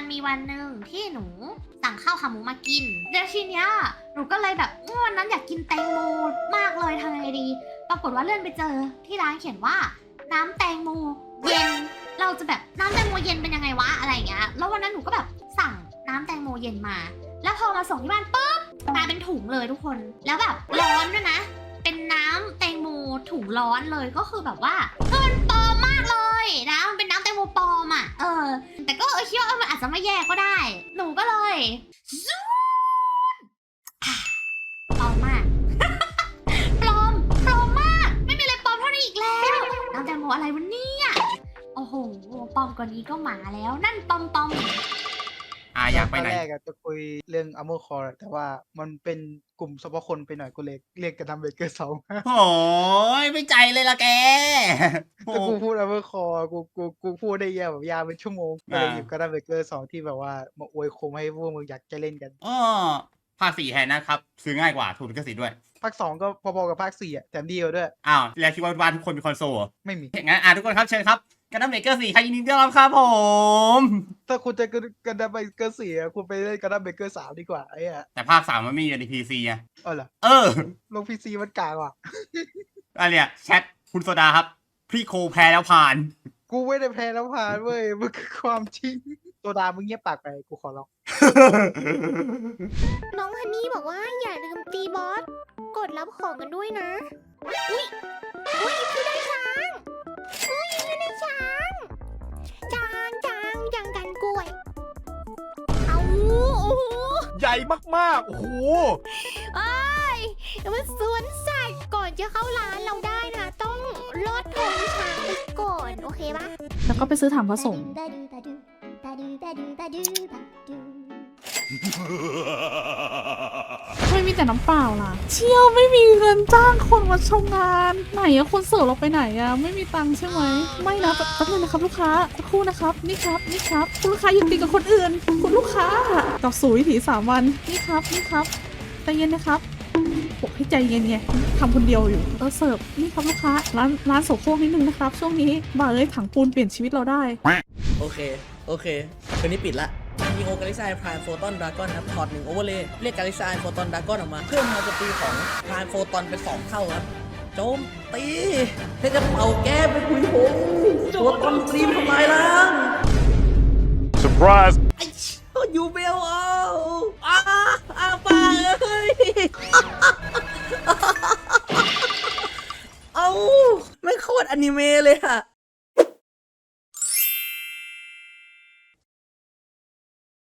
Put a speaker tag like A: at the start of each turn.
A: มันมีวันหนึ่งที่หนูสั่งข้าวขาหมูมากินแล้วทีเนี้ยหนูก็เลยแบบวันนั้นอยากกินแตงโมมากเลยทำยังไงดีปรากฏว่าเลื่อนไปเจอที่ร้านเขียนว่าน้ำแตงโมเย็นเราจะแบบน้ำแตงโมเย็นเป็นยังไงวะอะไรอย่างเงี้ยแล้ววันนั้นหนูก็แบบสั่งน้ำแตงโมเย็นมาแล้วพอมาส่งที่บ้านปุ๊บมาเป็นถุงเลยทุกคนแล้วแบบร้อนด้วยนะเป็นน้ำแตงโมถุงร้อนเลยก็คือแบบว่ามันปลอมมากเลยนะมันเป็นน้ำแตงโมปลอมอ่ะแต่ก็คิดว่ามันอาจจะไม่แย่ก็ได้หนูก็เลยซูปลอมมาก ปลอมมากไม่มีอะไรปลอมเท่านี้อีกแล้วน้ำแตงโมอะไรวะเนี่ยโอ้โหปลอมกว่านี้ก็หมาแล้วนั่นปลอม
B: อยากไปไหน
C: ตอนแรกจะคุยเรื่องอัมเมอร์คอร์แต่ว่ามันเป็นกลุ่มเฉพาะคนไปหน่อยกูเลยเรียกกันทำเบเกอร์สอง
B: โอ้ยไม่ใจเลยละแก
C: ถ้ากูพูดอัมเมอร์คอร์กูพูดได้ยาวแบบยาวเป็นชั่วโมงก็เลยหยิบกันทำเบเกอร์สองที่แบบว่ามาอวยคมให้พวกมึงอยากจะเล่นกัน
B: ภาค 4แทนนะครับซื้อง่ายกว่าถูกลิขสิทธิ์ด้วย
C: ภาค 2ก็พอๆกับภาค 4แถมดีกว่าด้วย
B: แล้วคิดว่าบ้านทุกคนมีคอนโซลเหรอ
C: ไม่มี
B: งั้นทุกคนครับเชิญครับกันดั้มเบเกอร์4ใครยินดีต้อนรับครับผม
C: ถ้าคุณจะกันทำเบเกอร์4คุณไปเล่นกันทำเบเกอร์3ดีกว่าไอ้อะ
B: แต่ภาค 3มันไม่มีใน PC อ่ะ
C: เหรอ ลง PC มันกากว่ะ
B: อันเนี้ยแชทคุณโซดาครับพี่โคแพ้แล้วผ่าน
C: กูไม่ได้แพ้แล้วผ่านเว้ยมันคือความจริงตัวดามึงเงียบปากไปกูขอร้อง
D: น้องฮันนี่บอกว่าอย่าลืมตีบอส กดรับของกันด้วยนะ อุ้ยพี่ได้ช้างพี่ได้ช้างยังกันกล้วย เอาโอ้โห
E: ใหญ่มากๆ โอ้โห
D: มันสวนสัตว์ก่อนจะเข้าร้านเราได้นะ ต้องลอดธงช้างไปก่อน โอเคปะ
F: แล้วก็ไปซื้อถังผสมไม่มีแต่น้ำเปล่าล่ะ เชี่ยวไม่มีเงินจ้างคนมาชมงานไหนอะคนเสิร์ฟเราไปไหนอะไม่มีตังค์ใช่ไหมไม่นะแป๊บนึงนะครับลูกค้าสักครู่นะครับนี่ครับคุณลูกค้าอยู่ตีกับคนอื่นคุณลูกค้าต่อสู่วิถี3 วันนี่ครับใจเย็นนะครับบอกให้ใจเย็นไงทำคนเดียวอยู่เสิร์ฟนี่ครับลูกค้าร้านโสโครกนิดนึงนะครับช่วงนี้บ่าเลยถังปูนเปลี่ยนชีวิตเราได้
G: โอเคคืนนี้ปิดละมีโอกาลิซายพรายโฟตอนดราก้อนครับถอด1โอเวอร์เลยเรียกกาลิซายโฟตอนดราก้อนออกมาเพิ่มพลังโจมตีของพรายโฟตอนเป็น2เท่าครับโจมตีให้จะเป่าแก้ไปคุยโหงตัวตอนสตรีมทำลายล้าง
E: surprise
G: ไอ้เชี่ยยูเบลป้าเอ้ยเอาไม่โคตรอนิเมะเลยอะ